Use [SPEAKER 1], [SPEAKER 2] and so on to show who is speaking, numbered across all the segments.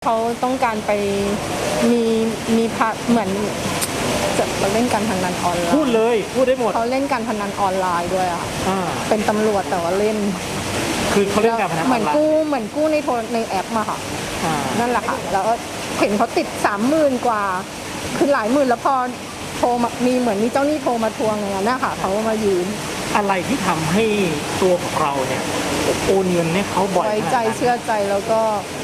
[SPEAKER 1] เขาต้องการไปมีเหมือนจะเล่นการพนันออนไลน์
[SPEAKER 2] พูดเลยพูดได้หมด
[SPEAKER 1] เขาเล่นการพนันออนไลน์ด้วยอ่ะเป็นตำรวจแต่ว่าเล่น
[SPEAKER 2] คือเขาเล่นการพนันออนไลน์
[SPEAKER 1] เหมือนกู้ในแอปมาค่ะนั่นแหละค่ะแล้วเห็นเขาติด30,000 กว่าคือหลายหมื่นแล้วพอโทรมามีเหมือนมีเจ้าหนี้โทรมาทวงอย่างนั้นนะคะเขามายืม
[SPEAKER 2] อะไรที่ทำให้ตัวของเราเนี่ยโอนเงินให้เขาบ่อย
[SPEAKER 1] ไว้ใจเชื่อใจแล้วก็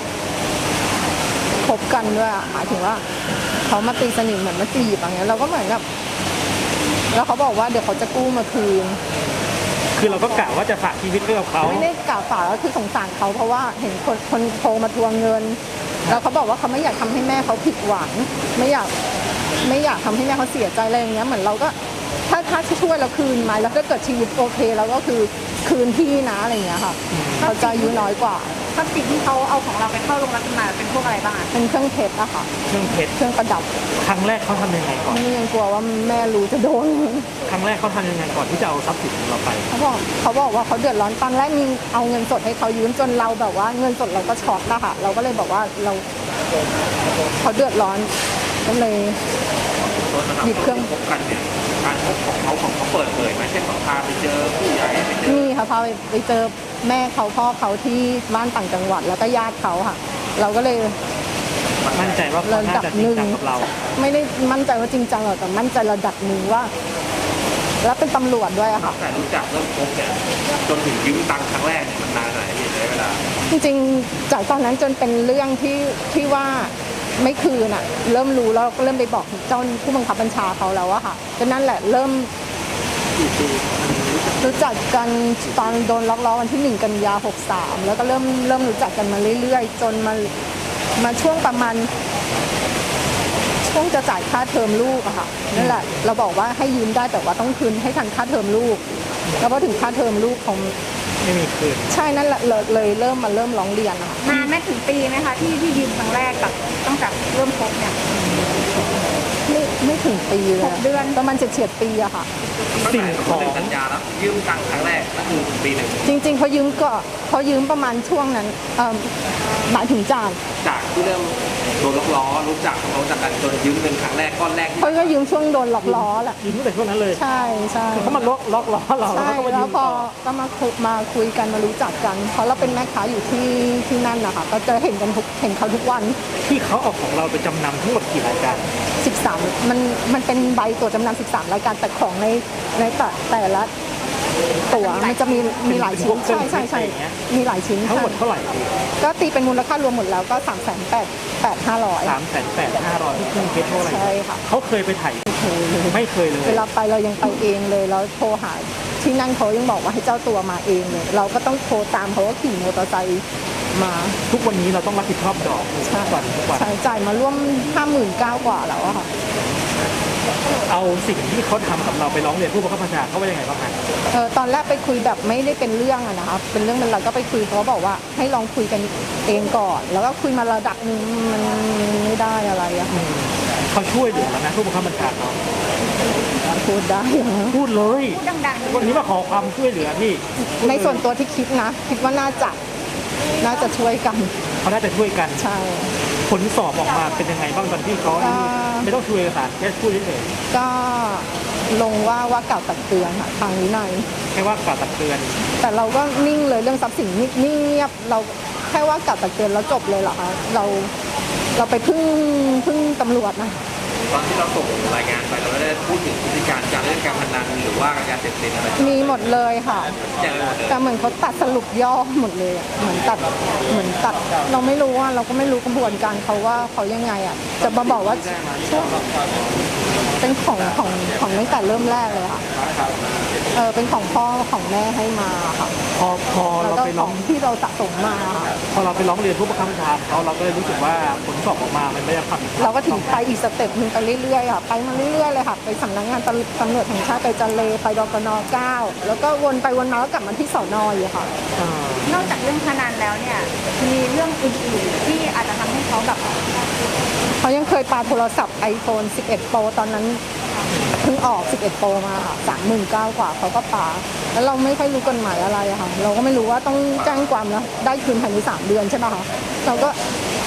[SPEAKER 1] คบกันด้วยหมายถึงว่าเขามาตีสนิทเหมือนมาจีบอย่างเงี้ยเราก็เหมือนกับแล้วเขาบอกว่าเดี๋ยวเขาจะกู้มาคืน
[SPEAKER 2] คือเราก็กะว่าจะฝากชีวิตไว้กับเขา
[SPEAKER 1] ไม่ได้กะฝากก็คือสงสารเขาเพราะว่าเห็นคนโทรมาทวงเงินแล้วเขาบอกว่าเขาไม่อยากทำให้แม่เขาผิดหวังไม่อยากทำให้แม่เขาเสียใจอะไรอย่างเงี้ยเหมือนเราก็ถ้าช่วยเราคืนมาแล้วถ้าเกิดชีวิตโอเคเราก็คือคืนพี่นะอะไรอย่างเงี้ยค่ะเขาจะอายุน้อยกว่า
[SPEAKER 3] ทรัพย์สินที่เขาเอาของเราไปเข้าโรงรับจำนำเป็นพวกอะไรบ้าง
[SPEAKER 1] เป็นเครื่องเพชรอะค่ะ
[SPEAKER 2] เครื่องเพชร
[SPEAKER 1] เครื่องประดับ
[SPEAKER 2] ครั้งแรกเขาทำยังไงก่อน
[SPEAKER 1] นี่ยังกลัวว่าแม่รู้จะโดน
[SPEAKER 2] ครั้งแรกเขาทำยังไงก่อนที่จะเอาทรัพย์สินของเราไป
[SPEAKER 1] เขาบอกว่าเขาเดือดร้อนตอนแรกมีเอาเงินสดให้เขายืมจนเราแบบว่าเงินสดเราก็ช็อตแล้วค่ะเราก็เลยบอกว่าเขาเดือดร้อนก็เลยหยิบเครื่อง
[SPEAKER 4] พบกันเนี่ยการพบของเขาเปิดเผยไหมเช่นพาไปเจอผู้ใหญ่ไปเจอ
[SPEAKER 1] นี่ค่ะพาไปเจอแม่เขาพ่อเขาที่บ้านต่างจังหวัดแล้วก็ญาติเขาค่ะเราก็เลย
[SPEAKER 2] มั่นใจว่าเขาน่าจะจริงจังกับเรา
[SPEAKER 1] ไม่ได้มั่นใจว่าจริงจังหรอกแต่มั่นใจระดับหนึ่งว่าแล้วเป็นตำรวจด้วยอะค่ะ
[SPEAKER 4] แต่รู้จักเริ่มพบเนี่ยจนถึงยืมตังค์ครั้งแรกเนี่ยมันนานไหนใช้เวลา
[SPEAKER 1] จริงๆจากตอนนั้นจนเป็นเรื่องที่ว่าไม่คืนอะเริ่มรู้แล้วก็เริ่มไปบอกเจ้าผู้บังคับบัญชาเขาแล้วอะค่ะก็นั่นแหละเริ่มรู้จักกันตอนโดนล็อกล้อวันที่1 กันยายน 63แล้วก็เริ่มรู้จักกันมาเรื่อยๆจนมาช่วงประมาณช่วงจะจ่ายค่าเทอมลูกอะค่ะนั่นแหละเราบอกว่าให้ยืมได้แต่ว่าต้องคืนให้ทันค่าเทอมลูกแล้วพอถึงค่าเทอมลูกของ
[SPEAKER 2] ไม่มีคืน
[SPEAKER 1] ใช่นั่นแหละเลยเริ่มร้องเรียนอะค่ะ
[SPEAKER 3] นานไม่ถึงปีไหมคะที่ยืมครั้งแรกกับตั้งแต่เริ่มพบเนี่ย
[SPEAKER 1] ไม่ถึงปีเลย
[SPEAKER 3] 6 เดือน
[SPEAKER 1] ประมาณเฉียดปีอะค่ะ
[SPEAKER 4] สิ่งของสัญญาแล้วยืมตังค์ครั้งแรกก็คือปีหนึ่ง
[SPEAKER 1] จริงๆเขายืมประมาณช่วงนั้นหมายถึงจาก
[SPEAKER 4] ที่เริ่มโดนล็อกล้อรู้จักกันจนยืมเงินครั้งแรกก้อนแรก
[SPEAKER 1] เขาก็ยืมช่วงโดนล็อกล้อแหละ
[SPEAKER 2] ยืมตั้งแต่ช่วงนั้นเลย
[SPEAKER 1] ใช่
[SPEAKER 2] เขามาล็อกล้อเรา
[SPEAKER 1] ใช่แล้วพอก็มาคุยกันมารู้จักกันเพราะเราเป็นแม่ค้าอยู่ที่นั่นนะคะก็จะเห็นเขาทุกวัน
[SPEAKER 2] ที่เขาเอาของเราไปจำนำทั้งหมดกี่รายการ
[SPEAKER 1] 13มันเป็นใบตัวจำนำ13รายการแต่ของในแต่ละตัวมันจะมีหลายชิ้นใช่มีหลายชิ้น
[SPEAKER 2] ทั้งหมดเท่าไหร่
[SPEAKER 1] ก็ตีเป็นมูลค่ารวมหมดแล้วก็3,800,500
[SPEAKER 2] ที่เครื่องเพชรเท่าไหร่
[SPEAKER 1] ใช่ค่ะ
[SPEAKER 2] เขาเคยไปถ่ายไม่เคยเลย
[SPEAKER 1] เวลาไปเรายังไปเองเลยแล้วโทรหาที่นั่นเขายังบอกว่าให้เจ้าตัวมาเองเลยเราก็ต้องโทรตามเขาว่าขี่มอเตอร์ไซค์มา
[SPEAKER 2] ทุกวันนี้เราต้องรับผิดชอบดอกทุกวัน
[SPEAKER 1] จ่ายมาร่วม 59,000 กว่าแล้วอะค่ะ
[SPEAKER 2] เอาสิ่งที่เขาทำกับเราไปร้องเรียนผู้บังคับบัญชาเขาว่ายังไงบ้างคะ
[SPEAKER 1] ตอนแรกไปคุยแบบไม่ได้เป็นเรื่องอะนะคะเป็นเรื่องมันเราก็ไปคุยเขาบอกว่าให้ลองคุยกันเองก่อนแล้วก็คุยมาระดับนึงมันไม่ได้อะไรอะ
[SPEAKER 2] เขาช่วยเหลือแล้วนะผู้บังคับบัญชาเขา
[SPEAKER 1] พูดได้
[SPEAKER 2] พูดเลย
[SPEAKER 3] พูดดัง
[SPEAKER 2] ๆวันนี้มาขอความช่วยเหลือพี่
[SPEAKER 1] ในส่วนตัวที่คิดว่าน่าจะช่วยกัน
[SPEAKER 2] เขาน่าจะช่วยกัน
[SPEAKER 1] ใช่
[SPEAKER 2] ผลสอบออกมาเป็นยังไงบ้างตอนที่เขาไม่ต้องช่วยเอกสารแค่พูดเฉย
[SPEAKER 1] ๆก็ลงว่ากล่าวตักเตือนค่ะทางวินัย
[SPEAKER 2] แค่ว่ากล่าวตักเตือน
[SPEAKER 1] แต่เราก็นิ่งเลยเรื่องทรัพย์สินนิ่งเงียบเราแค่ว่ากล่าวตักเตือนแล้วจบเลยเหรอคะเราไปพึ่งตำรวจนะ
[SPEAKER 4] ตอนที่เราส่งรายงานไปเราไม่ได้พูดถึงพฤติการการเล่นการพนันหรือว่ายาเสพติดอะไร
[SPEAKER 1] มีหมดเลยค่ะแต่เหมือนเขาตัดสรุปย่อหมดเลยเหมือนตัดเราไม่รู้ว่าเราก็ไม่รู้กระบวนการเขาว่าเขายังไงอ่ะจะมาบอกว่าเป็นของตั้งแต่เริ่มแรกเลยค่ะเป็นของพ่อของแม่ให้มาค่ะ
[SPEAKER 2] พอเราไปร้อง
[SPEAKER 1] ที่เราสะสมมา
[SPEAKER 2] พอเราไปร้องเรียนผู้บังคับบัญชาเราก็เลยรู้สึกว่าผลสอบออกมามันไม่ได้ความ
[SPEAKER 1] เราก็ถึงไปอีกสเต็ปนึงไปเรื่อยๆค่ะไปมาเรื่อยๆเลยค่ะไปสำนักงานตำรวจแห่งชาติไปจันเลไปดกน. 9แล้วก็วนไปวนมาแล้วกลับมาที่สน.อยู่ค่ะ
[SPEAKER 3] นอกจากเรื่องพนันแล้วเนี่ยมีเรื่องอื่นๆที่อาจจะทำให้เขาแบบ
[SPEAKER 1] เขายังเคยปาโทรศัพท์ iPhone 11 Pro ตอนนั้นเพิ่งออก11 Pro มาค่ะ39,000 กว่าเขาก็ปาแล้วเราไม่ค่อยรู้กฎหมายอะไรอะค่ะเราก็ไม่รู้ว่าต้องแจ้งความแล้วได้คืนภายใน3 เดือนใช่ป่ะคะเราก็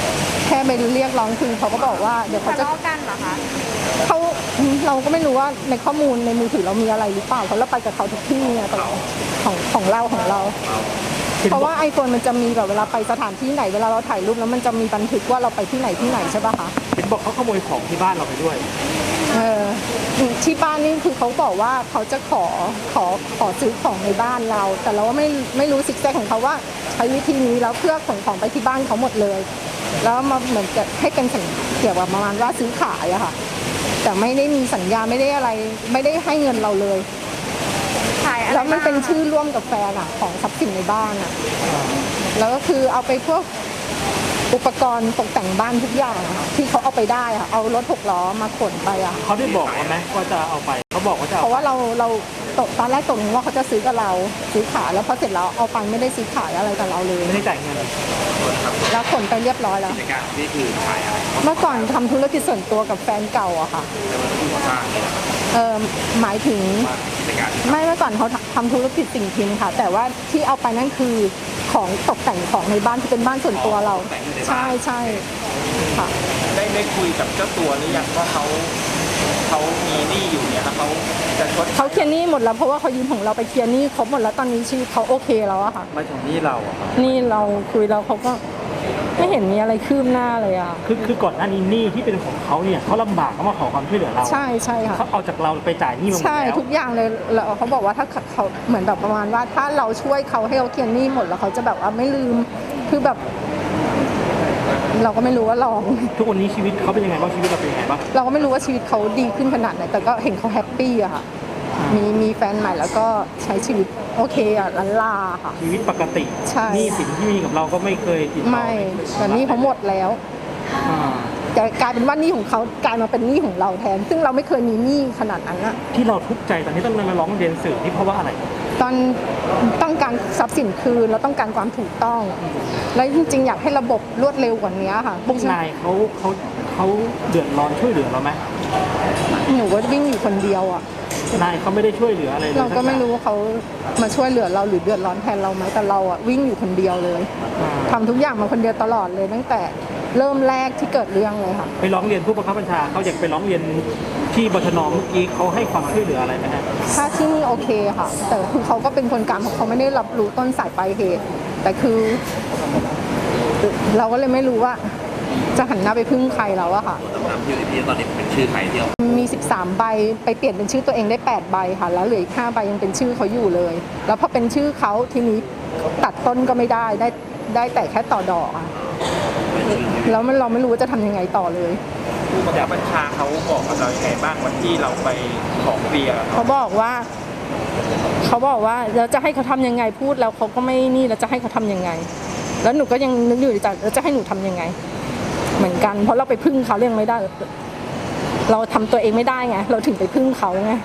[SPEAKER 1] แค่ไปเรียกร้องคืนเขาก็บอกว่าเดี๋ยวเขา
[SPEAKER 3] ทะ
[SPEAKER 1] จะ
[SPEAKER 3] เลาะกันเหรอคะ
[SPEAKER 1] เขาเราก็ไม่รู้ว่าในข้อมูลในมือถือเรามีอะไรหรือเปล่าเพราะเราไปกับเขาทุกที่ไงของเราเพราะว่าไอโฟนมันจะมีแบบเวลาไปสถานที่ไหนเวลาเราถ่ายรูปแล้วมันจะมีบันทึกว่าเราไปที่ไหนใช่ป่ะคะ
[SPEAKER 2] เห็นบอกเขาขโมยของที่บ้านเราไปด้วย
[SPEAKER 1] ที่บ้านนี่คือเขาบอกว่าเขาจะขอซื้อของในบ้านเรา แต่เราว่าไม่รู้ซิกแซกของเขาว่าใช้วิธีนี้แล้วเพื่อขนของไปที่บ้านเขาหมดเลย แล้วมาเหมือนจะให้เป็นสัญเกี่ยวกับประมาณว่าซื้อขายอะค่ะแต่ไม่ได้มีสัญญาไม่ได้อะไรไม่ได้ให้เงินเราเลย
[SPEAKER 3] ขายอะไร
[SPEAKER 1] แล้วมันเป็น
[SPEAKER 3] บ้าง
[SPEAKER 1] ชื่อร่วมกับแฟนอะของทรัพย์สินในบ้านอะแล้วก็คือเอาไปพวกอุปกรณ์ตกแต่งบ้านทุกอย่างอะที่เขาเอาไปได้อะเอารถ6 ล้อมาขนไปอะ
[SPEAKER 2] เขาได้บอกไหมว่าจะเอาไปเขาบอกว่าจะ
[SPEAKER 1] เพ
[SPEAKER 2] เอา
[SPEAKER 1] ราะว่าเราตอนแรกตกลงว่าเขาจะซื้อกับเราซื้อขายแล้วพอเสร็จแล้วเอาไปไม่ได้ซื้อขายอะไรกับเราเลย
[SPEAKER 2] ไม่ได้จ่ายเงิน
[SPEAKER 1] แล้วขนไปเรียบร้อยแล้ว
[SPEAKER 4] กิจการนี่คือขายอะไร
[SPEAKER 1] เมื่อก่อนทำธุรกิจส่วนตัวกับแฟนเก่าอะค่ะ
[SPEAKER 4] สร้างเนี่ย
[SPEAKER 1] หมายถึง
[SPEAKER 4] กิจการ
[SPEAKER 1] ไม่เมื่อก่อนเขาทำธุรกิจสิ่งพิมพ์ค่ะ แต่ว่าที่เอาไปนั่นคือของตกแต่งของในบ้านที่เป็นบ้านส่วนตัวเรา ใช่ค่ะ
[SPEAKER 5] ได้คุยกับเจ้าตัวหรือยังว่าเขามีหนี้อยู่เนี่ยแล้วเขาจะชด
[SPEAKER 1] เขาเคลียร์หนี้หมดแล้วเพราะว่าเขายืมของเราไปเคลียร์หนี้ครบหมดแล้วตอนนี้ชีวิตเขาโอเคแล้วอะค่ะ
[SPEAKER 5] ไม่ถึงหนี้เราอะครับ
[SPEAKER 1] นี่เราคุยแล้วเขาก็ไม่เห็นมีอะไรคืบหน้าเลยอะ
[SPEAKER 2] คือก่อนหน้านี้หนี้ที่เป็นของเขาเนี่ยเขาลำบากเขามาขอความช่วยเหลือเรา
[SPEAKER 1] ใช่ค่ะ
[SPEAKER 2] เขาเอาจากเราไปจ่ายหนี้มาหมด
[SPEAKER 1] ใช่
[SPEAKER 2] แล้ว
[SPEAKER 1] ทุกอย่างเลยแล้วเขาบอกว่าถ้าเขาเหมือนแบบประมาณว่าถ้าเราช่วยเขาให้เขาเคลียร์หนี้หมดแล้วเขาจะแบบว่าไม่ลืมคือแบบ เราก็ไม่รู้ว่าลอง
[SPEAKER 2] ทุกวันนี้ชีวิตเขาเป็นยังไงบ้างชีวิตเราเป็นยังไงบ้าง
[SPEAKER 1] เราก็ไม่รู้ว่าชีวิตเขาดีขึ้นขนาดไหนแต่ก็เห็นเขาแฮปปี้อะค่ะมีแฟนใหม่แล้วก็ใช้ชีวิตโอเคอะลันลาค่ะ
[SPEAKER 2] ชีวิตปกติ
[SPEAKER 1] ใช่
[SPEAKER 2] หนี้สินที่มีกับเราก็ไม่เคยติดต่อ
[SPEAKER 1] ไม่แต่หนี่เขาหมดแล้ว
[SPEAKER 2] อ่า
[SPEAKER 1] แต่กลายเป็นว่าหนี้ของเขากลายมาเป็นหนี้ของเราแทน ซึ่งเราไม่เคยมีหนี้ขนาดนั้นอะ
[SPEAKER 2] ที่เราทุกข์ใจตอนนี้ต้องมาร้องเรียนสื่อนี่เพราะว่าอะไร
[SPEAKER 1] ตอนต้องการทรัพย์สินคืนแล้วต้องการความถูกต้อง และจริงๆอยากให้ระบบรวดเร็วกว่านี้ค่ะ
[SPEAKER 2] พวกนายเขาเดือดร้อนช่วยเหลือเราไหม
[SPEAKER 1] หนูก็วิ่งอยู่คนเดียวอ่ะ
[SPEAKER 2] นายเขาไม่ได้ช่วยเหลืออะไรเลย
[SPEAKER 1] เราก็ไม่รู้ว่าเขามาช่วยเหลือเราหรือเดือดร้อนแทนเราไหมแต่เราอ่ะวิ่งอยู่คนเดียวเลย
[SPEAKER 2] อ่า
[SPEAKER 1] ทำทุกอย่างมาคนเดียวตลอดเลยตั้งแต่เริ่มแรกที่เกิดเรื่องเลยค่ะ
[SPEAKER 2] ไปร้องเรียนผู้บังคับบัญชาเขาอยากไปร้องเรียนที่บชนเมื่อกี้เขาให้ความช่วยเหลืออะไรไหมฮะ
[SPEAKER 1] ถ้าที่นี่โอเคค่ะ แต่คือเขาก็เป็นคนกลางเขาไม่ได้รับรู้ต้นสายปลายเหตุ แต่คือเราก็เลยไม่รู้ว่าจะหันหน้าไปพึ่งใครแล้วอะค่ะ
[SPEAKER 4] ตำแหน่งที่ตอนนี้เป็นชื่อใครที่เรา
[SPEAKER 1] มี 13 ใบไปเปลี่ยนเป็นชื่อตัวเองได้ 8 ใบค่ะ แล้วเหลืออีก 5 ใบยังเป็นชื่อเขาอยู่เลย แล้วพอเป็นชื่อเขาทีนี้ตัดต้นก็ไม่ได้แต่แค่ต่อดอกอะแล้วเราไม่รู้ว่าจะทำยังไงต่อเลย
[SPEAKER 5] ผู้บังคับบัญชาเขาบอกกับเราอย่างไรบ้างวันที่เราไปขอเคลียร์
[SPEAKER 1] เขาบอกว่าแล้วจะให้เขาทำยังไงพูดแล้วเขาก็ไม่นี่แล้วจะให้เขาทำยังไง แล้วหนูก็ยังนึกอยู่ในใจแล้วจะให้หนูทำยังไง เหมือนกัน เพราะเราไปพึ่งเขาเรื่องไม่ได้ เราทำตัวเองไม่ได้ไงเราถึงไปพึ่งเขาไง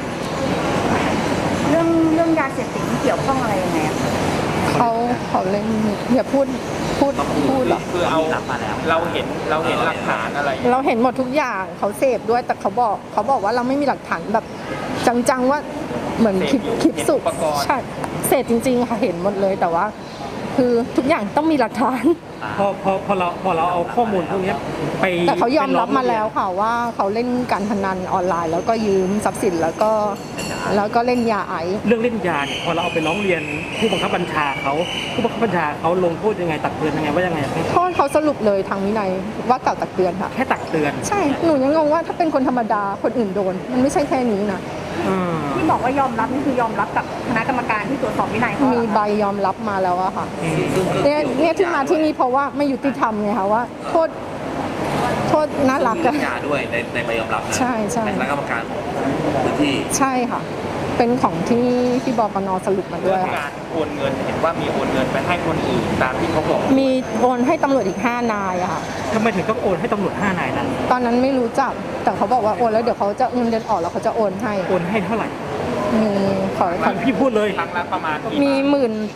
[SPEAKER 3] เรื่องยาเสพติดที่เกี่ยวข้องอะไรยังไงอะคะ
[SPEAKER 1] เขาเล่นอย่าพูดหรอ
[SPEAKER 5] คือเราเห็นหลักฐานอะไร
[SPEAKER 1] เราเห็นหมดทุกอย่างเขาเสพด้วยแต่เขาบอกว่าเราไม่มีหลักฐานแบบจังๆว่าเหมือนคลิปสุดใช่เสพจริงๆค่ะเห็นหมดเลยแต่ว่า คือทุกอย่างต้องมีหลักฐาน
[SPEAKER 2] พอเราเอาข้อมูลพวกนี้ไป
[SPEAKER 1] แต่เขายอมรับมา
[SPEAKER 2] ไป
[SPEAKER 1] แล้วค่ะว่าเขาเล่นการพนันออนไลน์ แล้วก็ยืมทรัพย์สินแล้วก็เล่นยาไอซ์
[SPEAKER 2] เรื่องเล่นยาเนี่ยพอเราเอาไปร้องเรียนผู้บังคับบัญชาเขาผู้บังคับบัญชาเขาลงโทษยังไงตักเตือนยังไงว่ายังไง
[SPEAKER 1] โทษเขาสรุปเลยทางวินัยว่ากล่าวตักเตือนค่ะ
[SPEAKER 2] แค่ตักเตือน
[SPEAKER 1] ใช่หนูยังงงว่าถ้าเป็นคนธรรมดาคนอื่นโดน มันไม่ใช่แค่นี้นะ
[SPEAKER 2] อ่า
[SPEAKER 3] ที่บอกว่ายอมรับนี่คือยอมรับกับคณะกรรมการที่ตรวจสอบวินัยเขาเหร
[SPEAKER 1] มี
[SPEAKER 3] อ
[SPEAKER 1] ใบ
[SPEAKER 3] คะ
[SPEAKER 1] ยอมรับมาแล้วอะค่ะเนี่ยที่มาที่นี่เพราะว่าไม่ยุติธรรมไงคะว่าโทษน่ารัก
[SPEAKER 4] เรื่
[SPEAKER 1] อะ
[SPEAKER 4] องยาด้วยในใบยอมรับนะ
[SPEAKER 1] ใช่ใช่
[SPEAKER 4] ในคณะกรรมการของพื้นที่
[SPEAKER 1] ใช่ค่ะ เป็นของที่บปนสรุปมาด้
[SPEAKER 5] เรื่
[SPEAKER 1] ว
[SPEAKER 5] อย ง
[SPEAKER 1] ค่ะ
[SPEAKER 5] การโอนเงินเห็นว่ามีโอนเงินไปให้คนอื่นตามที่เขาบอก
[SPEAKER 1] มีโอนให้ตำรวจอีก5 นายอะค่ะ
[SPEAKER 2] ทำไมถึงต้องโอนให้ตำรวจ5 นายนั้น
[SPEAKER 1] ตอนนั้นไม่รู้จักแต่เขาบอกว่าโอนแล้วเดี๋ยวเขาจะเงินเดือนออกแล้วเขาจะโอนให้
[SPEAKER 2] โอนให้เท่าไหร่
[SPEAKER 1] มีขอ
[SPEAKER 2] พี่พูดเลย
[SPEAKER 5] ครั้งละประมาณกี่
[SPEAKER 1] มี
[SPEAKER 5] บาท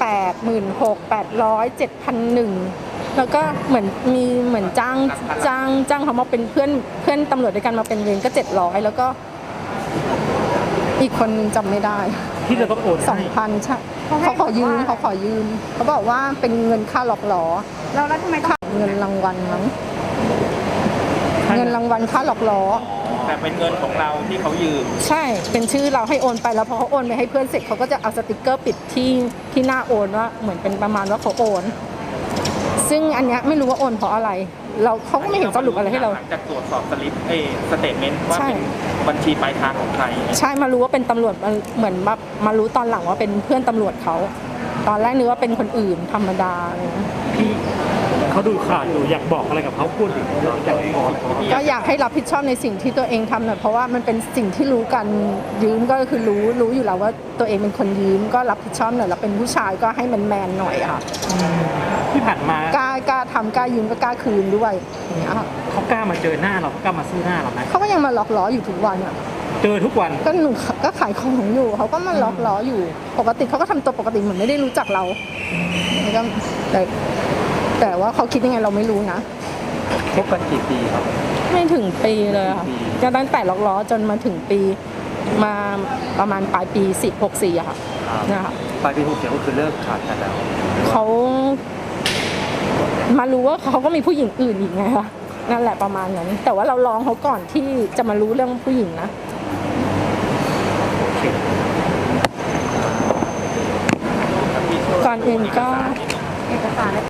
[SPEAKER 1] 18,800 7,100แล้วก็เหมือนจ้างเขามาเป็นเพื่อนตำรวจด้วยกันมาเป็นเวรก็700แล้วก็อีกคนนึงจำไม่ได้
[SPEAKER 2] ที่เราต้องโอนให้
[SPEAKER 1] 2,000ใช่เขาขอยืมเขาบอกว่าเป็นเงินค่าหลอกหลอ
[SPEAKER 3] แล้วทำไมต้อง
[SPEAKER 1] เงินรางวัลมั้งเงินรางวัลค่าหลอกล้อ
[SPEAKER 5] แต่เป็นเงินของเราที่เขายืม
[SPEAKER 1] ใช่เป็นชื่อเราให้โอนไปแล้วพอเขาโอนไปให้เพื่อนเสร็จเขาก็จะเอาสติกเกอร์ปิดที่หน้าโอนว่าเหมือนเป็นประมาณว่าเขาโอน ซึ่งอันเนี้ยไม่รู้ว่าโอนเพราะอะไรเขาก็ไม่เห็นสรุปอะไรให้เรา
[SPEAKER 5] หลังจากตรวจสอบสลิปสเตทเมนต์ว่า
[SPEAKER 1] ใช่
[SPEAKER 5] เป็นบัญชีปลายทางของใคร
[SPEAKER 1] ใช่มารู้ว่าเป็นตำรวจเหมือนมารู้ตอนหลังว่าเป็นเพื่อนตำรวจเขาตอนแรกนึกว่าเป็นคนอื่นธรรมดาอะไรเลย
[SPEAKER 2] พี่เขาดูข่าวอยู่อยากบอกอะไรกับเขาพูดถึงอยากบอก
[SPEAKER 1] ก็อยากให้รับผิดชอบในสิ่งที่ตัวเองทำหน่อยเพราะว่ามันเป็นสิ่งที่รู้กันยืมก็คือรู้อยู่แล้วว่าตัวเองเป็นคนยืมก็รับผิดชอบหน่อยแล้วเป็นผู้ชายก็ให้มันแมนหน่อยอะค่ะ
[SPEAKER 2] ที่ผ่านมาก
[SPEAKER 1] ล้าทำกล้ายืมก็กล้าคืนด้วยอย่างเงี้ยค่ะ
[SPEAKER 2] เขากล้ามาเจอหน้าเราเขากล้ามาสู้หน้าเราไหม
[SPEAKER 1] เขาก็ยังมาหลอกล้ออยู่ทุกวันอะ
[SPEAKER 2] เจอทุกวัน
[SPEAKER 1] ก็หนูก็ขายของอยู่เขาก็มาหลอกล้ออยู่ปกติเขาก็ทำตัวปกติเหมือนไม่ได้รู้จักเราแล้วก็แต่ว่าเขาคิดยังไงเราไม่รู้นะ
[SPEAKER 5] คบกันกี่ปีครับ
[SPEAKER 1] ไม่ถึงปีเลยค่ะจะตั้งแต่หลอกล้อจนมาถึงปีมาประมาณปลายปี64อะค่ะนะคะ
[SPEAKER 5] ปลายปี67ก็คือเลิกขาดกันแล้ว
[SPEAKER 1] เขามารู้ว่าเขาก็มีผู้หญิงอื่นอีกไงคะนั่นแหละประมาณนั้นแต่ว่าเราลองเขาก่อนที่จะมารู้เรื่องผู้หญิงนะก่อนอื่นก็
[SPEAKER 3] เอกสาร